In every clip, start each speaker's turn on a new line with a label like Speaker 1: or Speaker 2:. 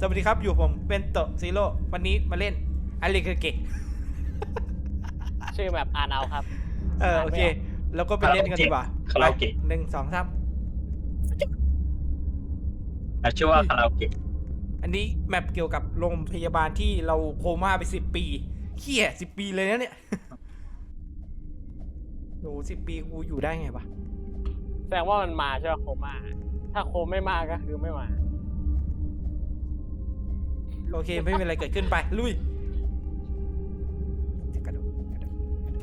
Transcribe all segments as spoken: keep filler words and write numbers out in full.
Speaker 1: สวัสดีครับอยู่ผมเป็นโตซีโร่วันนี้มาเล่นอะไรคือเกะ
Speaker 2: ชื่อแบบอ่านเอาครับ
Speaker 1: เออโอเคแล้วก็ไปเล่นกันดีกว่า
Speaker 3: คาราโอเกะ
Speaker 1: หนึ่งสองสาม
Speaker 3: ชื่อว่าคาราโอเกะ
Speaker 1: อันนี้แมปเกี่ยวกับโรงพยาบาลที่เราโคม่าไปสิบปีเขี้ยสิบปีเลยนะเนี่ยโอ้สิบปีกูอยู่ได้ไงวะ
Speaker 2: แสดงว่ามันมาใช่ไหมโคม่าถ้าโคไม่มาก็คือไม่มา
Speaker 1: โอเคไม่มีอะไรเกิดขึ้นไปลุยกระโดดกระโดด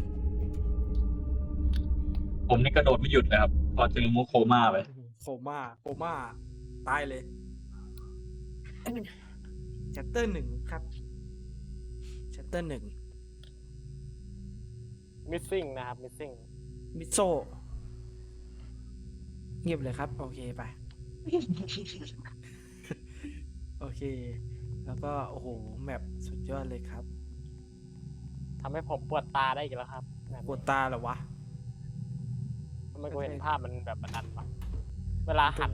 Speaker 3: ผมนี่กระโดดไม่หยุดเลยครับพอเจอมูโคม่าไป
Speaker 1: โคม่าโคม่าตายเลยชัตเตอร์หนึ่งครับชัตเตอร์หนึ่ง
Speaker 2: missing นะครับ missing
Speaker 1: มิโซเงียบเลยครับ โอเคไป โอเค แล้วก็โอ้โหแมปสุดยอดเลยครับ
Speaker 2: ทำให้ผมปวดตาได้อีกแล้วครับแบบ
Speaker 1: ปวดตาเหรอวะ
Speaker 2: ทำไมกูเห็นภาพมันแบบมันดันวะเวลาหัน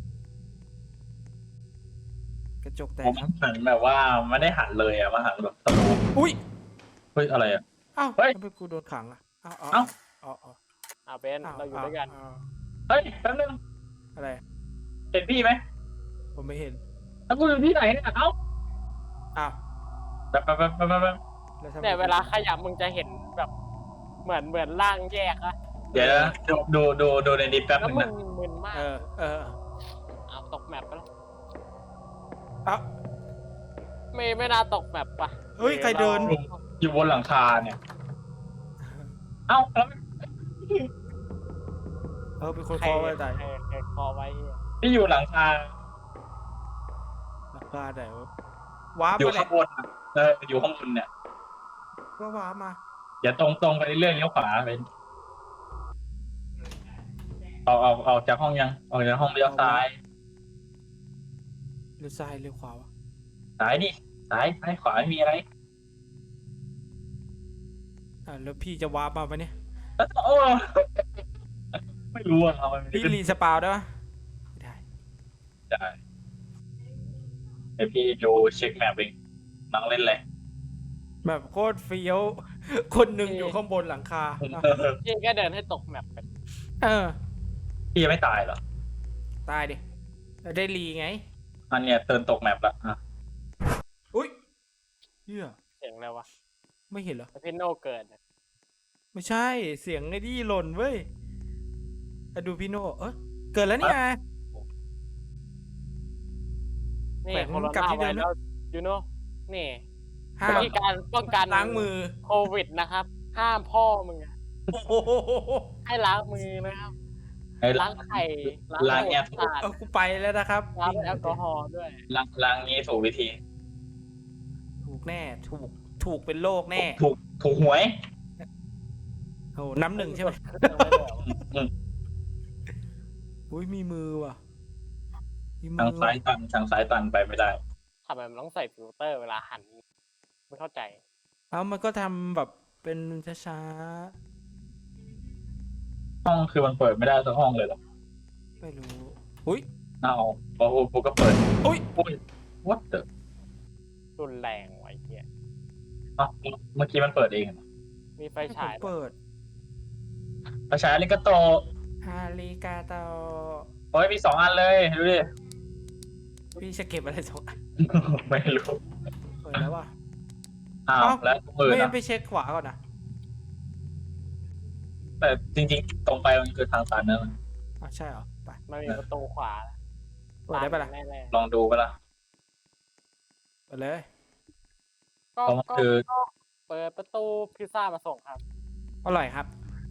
Speaker 1: กระจกแต
Speaker 3: ผ
Speaker 1: ก
Speaker 3: ม
Speaker 1: ครับ
Speaker 3: หันแบบว่าไม่ได้หันเลยอะมาหันแบบสโลว์
Speaker 1: อุ้ย
Speaker 3: เฮ้ยอะไรอะ
Speaker 1: เอ้า
Speaker 3: เฮ้ย
Speaker 1: ทำไมกูโดนขังอ่ะเอ้าเอ้า
Speaker 3: เอ้า
Speaker 1: เอ้าเอ้า
Speaker 2: เอาเป็นเราอยู่ด้วยกัน
Speaker 1: เอ้า
Speaker 3: เฮ้ยแป๊บนึง
Speaker 1: อะไร
Speaker 3: เห็นพี่ไหม
Speaker 1: ผมไม่เห็น
Speaker 3: แล้วกูอยู่ที่ไหนเนี่ยเอ้า
Speaker 1: อ้าว
Speaker 3: แป๊บแป๊บแป๊บแป๊บแป๊บ
Speaker 1: แล้วทำไม
Speaker 2: เนี่ยเวลาขยับมึงจะเห็นแบบเหมือนเหมือนร่างแยกอะ
Speaker 3: เดี๋ยวนะดูดูดูดูในดิสแป๊บ
Speaker 2: แล้ว
Speaker 3: นึง
Speaker 2: มึ
Speaker 3: นะ
Speaker 2: งมึนมาก
Speaker 1: เออเออ
Speaker 2: เอาตกแมปไปแล้ว
Speaker 1: เอ้า
Speaker 2: ไม่ไม่น่าตกแมปปะ
Speaker 1: เฮ้ยใครเดิน
Speaker 3: อยู่บนหลังคาเนี่ยเอ้าแล้ว
Speaker 1: เออเป็นคน
Speaker 2: ใคร
Speaker 1: คอไว้ตาย
Speaker 2: ใครใครคอไว้เหี้ย
Speaker 3: พี่อยู่หลังคา
Speaker 1: หลังคาไหนวะว้าร์ป
Speaker 3: อยู่
Speaker 1: มาแห
Speaker 3: ข้า
Speaker 1: ละ
Speaker 3: งบนอะเอออยู่ข้างบนเนี่ย
Speaker 1: ก็ว้าร์ปมา
Speaker 3: อย่าตรงตรงไปเรื่อยๆเลี้ยวขวาไปเอาเอาเอาจากห้องยังออกจากห้องเลี้ยวซ้าย
Speaker 1: เลี้ยวซ้ายเลี้ยวขวาวะ
Speaker 3: ซ้ายดิซ้ายซ้ายขวาไม่มีอะไร
Speaker 1: อ่าแล้วพี่จะว้าร์ปมาปะเนี่ย
Speaker 3: โอ้ไม่รู้อะเอามัน
Speaker 1: พี่รีสปาวได้ปะไม่ได้
Speaker 3: ได้ไอพี่ดูเช็คแมปเองนั่งเล่นเลย
Speaker 1: แบบโคตรเฟี้ยว คนหนึ่งอยู่ข้างบนหลังคาอ่ะ
Speaker 2: พี่ก็เดินให้ตกแมปไป
Speaker 1: เออ
Speaker 3: พี่ยังไม่ตายเหรอ
Speaker 1: ตายดิได้รีไง
Speaker 3: อันเนี้ยเตินตกแมปละอ่ะ
Speaker 1: อุ้ยเหี้ย
Speaker 2: เสียงอะไรวะ
Speaker 1: ไม่เห็นเหรอ
Speaker 2: แล้วพี่โนเกิดเนี่ย
Speaker 1: ไม่ใช่เสียงไอ้ที่หล่นเว้ยอะดูพี่โนเออเกิดแล้วนี่ไง
Speaker 2: นี่
Speaker 1: แขวน
Speaker 2: โคโร
Speaker 1: กลับ
Speaker 2: นา
Speaker 1: ที่เดิ
Speaker 2: ไว
Speaker 1: มนะ
Speaker 2: รัสยูโน่นี่
Speaker 1: ห้าม
Speaker 2: วิธีการป้องกัน
Speaker 1: ล้างมือ
Speaker 2: โควิดนะครับ ห้ามพ่อมึงอะ
Speaker 1: โอ้โห
Speaker 2: ให้ล้างมือนะครับ
Speaker 3: ไอ้
Speaker 2: ล้างไข่
Speaker 3: ล้างเนี่ย
Speaker 2: สะอาด
Speaker 1: เออกูไปแล้วนะครับ
Speaker 2: ล้างด้วยแอลกอฮอล์ด้วย
Speaker 3: ล้างล้างนี้ถูกวิธี
Speaker 1: ถูกแน่ถูกถูกเป็นโรคแน่
Speaker 3: ถูกถูกหวย
Speaker 1: โอ้น้ำหนึ่งใช่ไหม
Speaker 3: อืม
Speaker 1: อุ้ยมีมือว่ะมีมื
Speaker 3: ทาง
Speaker 1: อ
Speaker 3: ซ้ายตันทางซ้ายตันไปไม่ได้
Speaker 2: ทำไมมันต้องใส่ฟิลเตอร์เวลาหัน ไม่เข้าใจ
Speaker 1: เอามันก็ทำแบบเป็นช้า
Speaker 3: ห้องคือมันเปิดไม่ได้สักห้องเลยเหรอ
Speaker 1: ๆไม่รู้อุ้ย
Speaker 3: เอาพอกูก็เปิด
Speaker 1: อุ้ย
Speaker 3: อุ้ย what the
Speaker 2: รุนแรงไว้เหี้ย
Speaker 3: อ๋อเมื่อกี้มันเปิดเองเหรอ
Speaker 2: มีไฟ
Speaker 1: ผม
Speaker 2: ฉาย
Speaker 1: เปิด
Speaker 3: ประชาลิกาโต
Speaker 1: ฮาริกาโต
Speaker 3: โอ้ยมีสองอันเลยดูดิ
Speaker 1: พี่จะเก็บอะไรสองอัน
Speaker 3: ไม่รู้
Speaker 1: เปิดแล้วว่ะ
Speaker 3: อ้าว
Speaker 1: เอ้า
Speaker 3: แล้วมือ
Speaker 1: ไม่งั้
Speaker 3: นะ
Speaker 1: นไปเช็คขวาก่อนนะ
Speaker 3: แต่จริงๆ ตรงไปมันคือทางตันนะ
Speaker 1: อ่ะใช่เหรอไป
Speaker 2: มันมีประตูขวา
Speaker 1: เปิดได้ปะล่ะ
Speaker 2: แน่
Speaker 3: ลองดูไปละ
Speaker 1: เปิดเลย
Speaker 2: ๆก็
Speaker 3: เพราะมัน
Speaker 2: ก็
Speaker 3: คือ
Speaker 2: ก็เปิดประตูพิซซ่ามาส่งครับ
Speaker 1: อร่อยครับ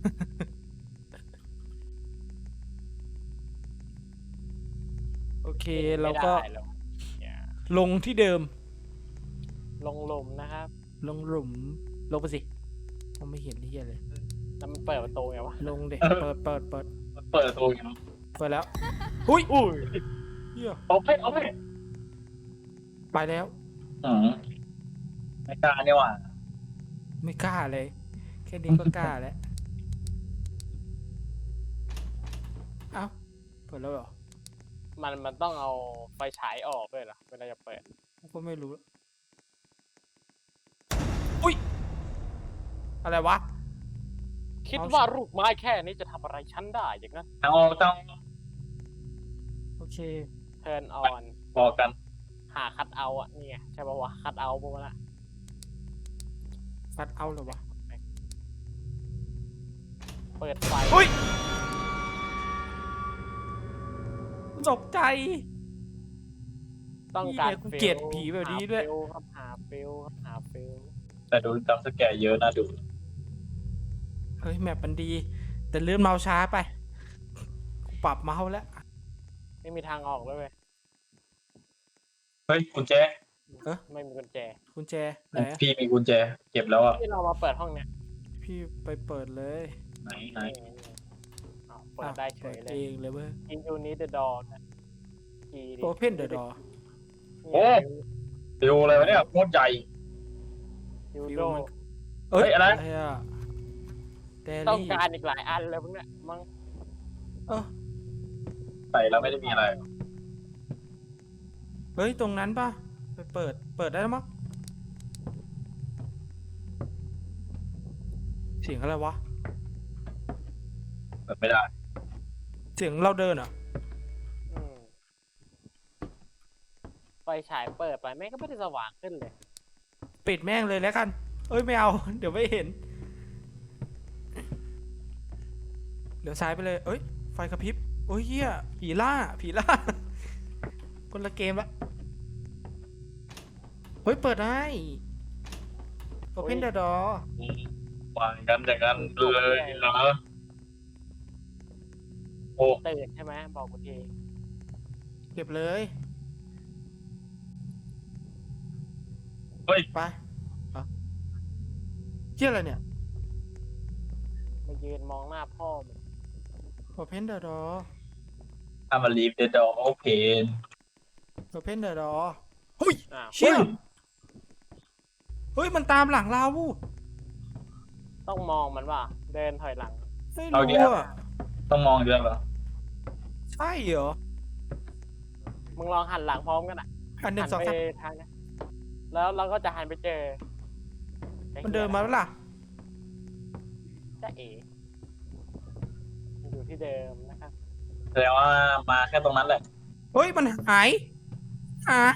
Speaker 1: โอเคเราก็
Speaker 2: ไม่ได้หรอกเนี่ย
Speaker 1: ลงที่เดิม
Speaker 2: ลงหลุมนะครับ
Speaker 1: ลงหลุมลงไปสิมองไม่เห็นที่เลย
Speaker 2: แล้วมันเปิดประตูไงวะ
Speaker 1: ลงเด็กเปิดเปิดเปิด
Speaker 3: เปิดประตูอย่างนี้
Speaker 1: เปิดแล้วอุ้ย
Speaker 2: อุ้ย
Speaker 1: เหี้ย
Speaker 3: โอเคโอเค
Speaker 1: ไปแล้ว
Speaker 3: อืมไม่กล้าเนี่ยว่ะ
Speaker 1: ไม่กล้าเลย แค่นี้ก็กล้าแล้ว เอ้าเปิดแล้วเหรอ
Speaker 2: มันมันต้องเอาไฟฉายออกด้วยเหรอเวลาจะเปิด
Speaker 1: ก็ไม่รู้ อุ้ย อะไรวะ
Speaker 2: คิด
Speaker 1: เอา
Speaker 2: ว่าลูกไม้แค่นี้จะทำอะไรฉันได้อย่างนั้น
Speaker 3: ทางออกทาง
Speaker 1: โอเค
Speaker 2: turn on
Speaker 3: บอกกัน
Speaker 2: หาคัทเอาท์อ่ะนี่ไงใช่ป่าวะคัทเอาท์พวกนั้นอะ
Speaker 1: ฟัดเอาเลยวะ
Speaker 2: เปิดไฟ
Speaker 1: อุ้ยตกใจ
Speaker 2: ต้องการ
Speaker 1: เหี้ยกูเกลียดผีแบบนี้ด้วย
Speaker 2: หาฟิลครับหาฟิลครับหาฟิล
Speaker 3: แต่ดูจำสแกร์เยอะน่าดู
Speaker 1: เฮ้ย แมปมันดี แต่เลื่อนเมาส์ช้าไป กูปรับเมาส์แล้ว
Speaker 2: ไม่มีทางออกด้วยเว้ย
Speaker 3: เฮ้ยกุญแจ
Speaker 1: เออ
Speaker 2: ไม่มีกุญแจ
Speaker 1: กุญแจไหนอะ
Speaker 3: พี่มีกุญแจ เก็บแล้วอ่ะ
Speaker 2: ที่เรามาเปิดห้องเนี้ย
Speaker 1: พี่ไปเปิดเลย
Speaker 3: ไหนไหน
Speaker 2: นี่อ้าวเปิดได้เฉย
Speaker 1: ปิ
Speaker 2: เล
Speaker 1: เอย งเลยเว้ย
Speaker 2: in you need the door นะ key ดิ
Speaker 1: Open the door
Speaker 3: โอ้ดูอะไรวะเนี่ยโคตรใหญ่
Speaker 2: ยู
Speaker 1: ฟิ
Speaker 2: โด
Speaker 1: วมัน เอ้ย
Speaker 3: เฮ้ยอะไร
Speaker 1: อะเด
Speaker 2: ต้อง
Speaker 1: ลี่
Speaker 2: การอีกหลายอันเลยพวกเนี้ยมั้ง
Speaker 1: เออ
Speaker 3: ใส่แล้วไม่ได้มีอะไร
Speaker 1: เฮ้ย ตรงนั้นป่ะ ไปเปิด เปิดได้แล้วมั้งเสียงอะไรวะ
Speaker 3: เปิดไม่ได้
Speaker 1: เสียงเราเดินเหรอ่ะ
Speaker 2: อืมไฟฉายเปิดไปแม่งก็ไม่ได้สว่างขึ้นเลย
Speaker 1: ปิดแม่งเลยแล้วกัน เอ้ย ไม่เอา เดี๋ยวไม่เห็น เดี๋ยวซ้ายไปเลย เอ้ย ไฟกระพริบ โอ้ยเหี้ย ผีล่า ผีล่า คนละเกมละ เฮ้ย เปิดได้ Open the door
Speaker 3: วางกันอย่างนั้นเลยเหรอโอ้
Speaker 2: ตื่นใช่ไหมบอกกูที
Speaker 1: เก็บเลย
Speaker 3: เฮ้ย
Speaker 1: ไปเอาเหี้ยอะไรเนี่ย
Speaker 2: มายืนมองหน้าพ่อมัน
Speaker 1: Open the door
Speaker 3: ถ้ามา leave the door open
Speaker 1: Open the door เฮ้ย
Speaker 2: อ้าว
Speaker 1: เชี่ย เฮ้ย มันตามหลังเรา
Speaker 2: ต้องมองมันว่าเดินถอยหลัง
Speaker 1: ไม่
Speaker 3: เอาดิ
Speaker 1: รู้อ่ะ
Speaker 3: ต้องมองด้วยเหรอ
Speaker 1: ใช่เหรอ
Speaker 2: มึงลองหันหลังพร้อมกันอ่ะ
Speaker 1: อันหนึ่
Speaker 2: หั
Speaker 1: งสอง
Speaker 2: ไป
Speaker 1: สาม
Speaker 2: ทางนี้แล้วเราก็จะหันไปเจอไอ้
Speaker 1: มันเดินมาแล้วล่ะ
Speaker 2: จ้าเอ๋มันอยู่ที่เดิมนะครับ
Speaker 3: แสดงว่ามาแค่ตรงนั้นแหละ
Speaker 1: เฮ้ย มันหาย หาย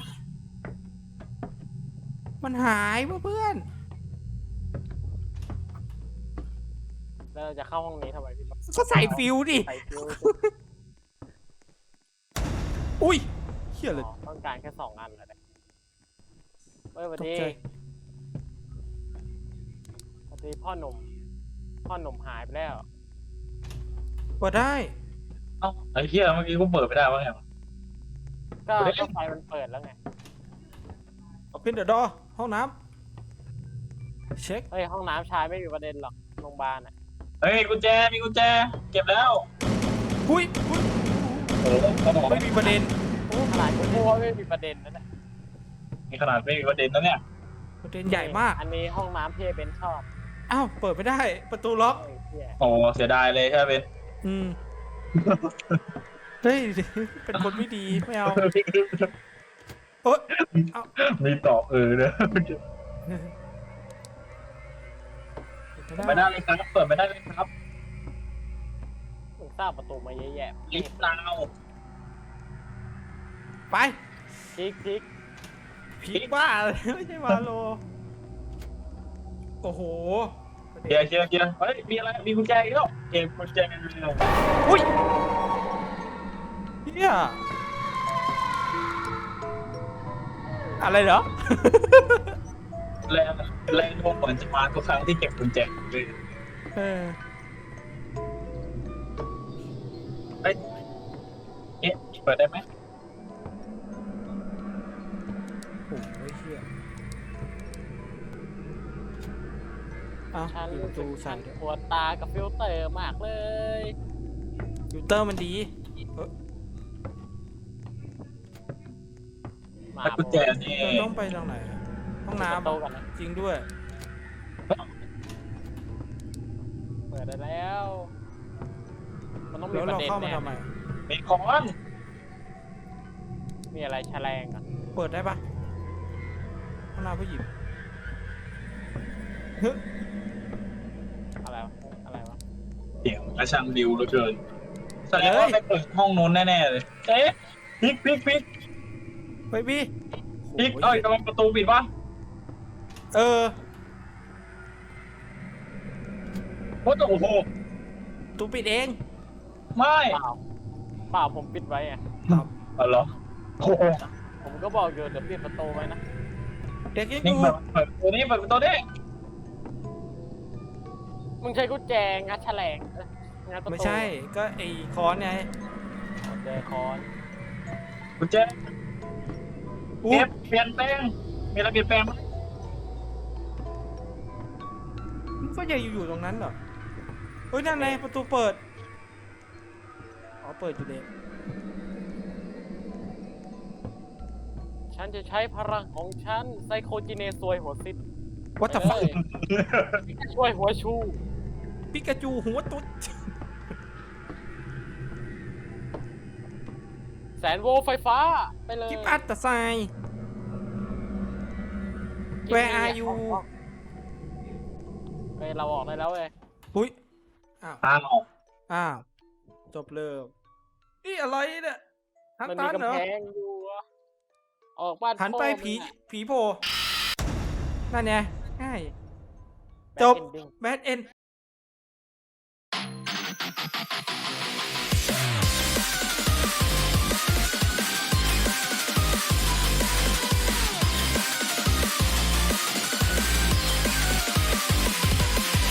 Speaker 1: มันหายเพื่อน
Speaker 2: แล้วเราจะเข้าห้องนี้ทำไมพี่ป๊อป
Speaker 1: ๆก็ใส่ฟิวดิ
Speaker 2: ใส่ฟิว
Speaker 1: อุ้ยเฮียเลย
Speaker 2: อ๋อต้องการแค่สองอันเลยเฮ้ยสวัส
Speaker 1: ตก
Speaker 2: ดี
Speaker 1: ใจ
Speaker 2: สวัสดีพ่อหนุ่ม พ่อหนุ่มหายไปแล้ว
Speaker 1: เปิดได้
Speaker 3: เอ้าไอ้เหี้ยเมื่อกี้กูเปิดไม่ได้วะไงวะ
Speaker 2: ก็
Speaker 3: เฮ้ย
Speaker 2: ก็ไฟมันเปิดแล้วไง
Speaker 1: Open the door ห้องน้ำเช็ค
Speaker 2: เฮ้ยห้องน้ำชายไม่มีประเด็นหรอกโรงพยาบาลอ่ะ
Speaker 3: เฮ้ยกุญแจมีกุญแจ เก็บแล้ว
Speaker 1: อุ้ยอุ้ย
Speaker 3: โอ้โหเขาบอก
Speaker 1: ไม่มีประเด็น
Speaker 2: โอ้ขนาดกูพูดว่าไม่มีประเด็นนั่นแหละ
Speaker 3: มีขนาดไม่มีประเด็นนะเนี่ย
Speaker 1: ประเด็นใหญ่มาก
Speaker 2: อันนี้ห้องน้ำที่เบนชอบ
Speaker 1: อ้าว เปิดไม่ได้ ประตูล็อก
Speaker 2: เฮ้ยเหี้ย
Speaker 3: โอ้เสียดายเลยใช่ไหมเบน
Speaker 1: อืม เฮ้ย เป็นคนไม่ดี ไม่เอาเอ้ย
Speaker 3: มีต่อเออเนี่ย
Speaker 1: เปิ
Speaker 3: เปิดไม่ได้เลยครับ เปิดไม่ได้เลยครับ
Speaker 2: มึงสร้างประตูมาเยอะแยะ
Speaker 3: ลิฟต์เรา
Speaker 1: ไป
Speaker 2: คลิกคลิก
Speaker 1: ผีบ้าเลยไม่ใช่วาโล โอ้โห
Speaker 3: เคลียร์เคลียร์เคลียร์เฮ้ย มีอะไร มีกุญแจอีกแล้วเก็บกุญแจ
Speaker 1: อุ้ยเฮียอะไรเหรอ
Speaker 3: แรงแรงโน้มเหมือนจะมาทุกครั้งที่เก็บกุญแจเลย
Speaker 1: เออ
Speaker 3: เฮ้ยเอ๊ะเปิดได้ไหม
Speaker 1: โอ้ยเฮียเอ้า
Speaker 2: ฉัน
Speaker 1: ปิดประตูใส่ด้วย
Speaker 2: ปวดตากับฟิลเตอร์มากเลย
Speaker 1: ฟิลเตอร์มันดี
Speaker 2: หมา
Speaker 3: แล้วกุญแจนี่
Speaker 1: เราต้องไปทางไหนอะห้อง
Speaker 2: น้ำ
Speaker 1: น้ำ
Speaker 2: โต
Speaker 1: อะ
Speaker 2: กันนะ
Speaker 1: จริงด้วย
Speaker 2: เปิดได้แล้ว มันต้องมี
Speaker 1: แล้ว
Speaker 2: ประ
Speaker 1: เรา
Speaker 2: เด็น
Speaker 1: เข้ามา
Speaker 2: แน่
Speaker 1: ทำไม
Speaker 3: มีของ
Speaker 2: มีอะไรแฉลงอ่ะ
Speaker 1: เปิดได้ปะข้างหน้าผู้หญิงเฮ้ย
Speaker 2: อะไรวะอะไรวะ
Speaker 3: เสียงกระชังดิวเหลือเกินแสดงว่าไปเปิดห้องนู้นแน่ๆเลยเอ๊ะพลิกพลิกพลิก
Speaker 1: เฮ้ยพี่
Speaker 3: พลิก
Speaker 1: โอ้
Speaker 3: เอ้
Speaker 1: ย
Speaker 3: ยกำลังประตูปิดวะ
Speaker 1: เออ
Speaker 3: โอ้โห
Speaker 1: ตูปิดเอง
Speaker 3: ไม่
Speaker 2: เปล่าเปล่าผมปิดไว้อ่ะ
Speaker 3: อ๋อเหรอโอ้โห
Speaker 2: ผมก็บอกอยู่เดี๋ยวปิดประตูไว้นะ
Speaker 1: เด็กยังอ
Speaker 3: นี่
Speaker 1: ยู่
Speaker 3: เปิดเปิดตัวนี้เปิดประตูนี้
Speaker 2: มึงใช้กุญแจงัดแฉลงเอ้ยงัดประตู
Speaker 1: ไม่ใช่ก็ไอ้คอนไง
Speaker 2: กุญแจคอน
Speaker 3: กุญแจ
Speaker 1: อู้
Speaker 3: เก็บเปลี่ยนแปลงมีอะไรเปลี่ยนแปลงไหม
Speaker 1: มันก็ยังอยู่ตรงนั้นเหรอเฮ้ยนั่นไงประตูเปิดอ๋อเปิดอยู่เด็ก
Speaker 2: ฉันจะใช้พลังของฉันไซโคจิเนซวยหัวซิด
Speaker 1: วัตถุฟัก
Speaker 2: เอ้ยช่วยหัวชู
Speaker 1: ปิกาจูหัวตุ๊ด
Speaker 2: แสนโวลต์ไฟฟ้าไปเลย
Speaker 1: กิฟอัตตาไซ Where are you
Speaker 2: เฮ้ยเราออกได้แล้วเว้ย
Speaker 1: หุ้ยอ้าว
Speaker 3: ทางออก
Speaker 1: อ้าวจบเลยนี่อะไรเนี่ยฮัน
Speaker 2: มัน
Speaker 1: ตั
Speaker 2: มี
Speaker 1: นเหร
Speaker 2: กำ
Speaker 1: อ
Speaker 2: แพงอยู่อะออกบ้าน
Speaker 1: หันไป
Speaker 2: พ่อมึง
Speaker 1: ผี
Speaker 2: อะ
Speaker 1: ผีโผล่นั่นไงง่าย
Speaker 2: Bad
Speaker 1: จบ
Speaker 2: ending
Speaker 1: แบดเอ็น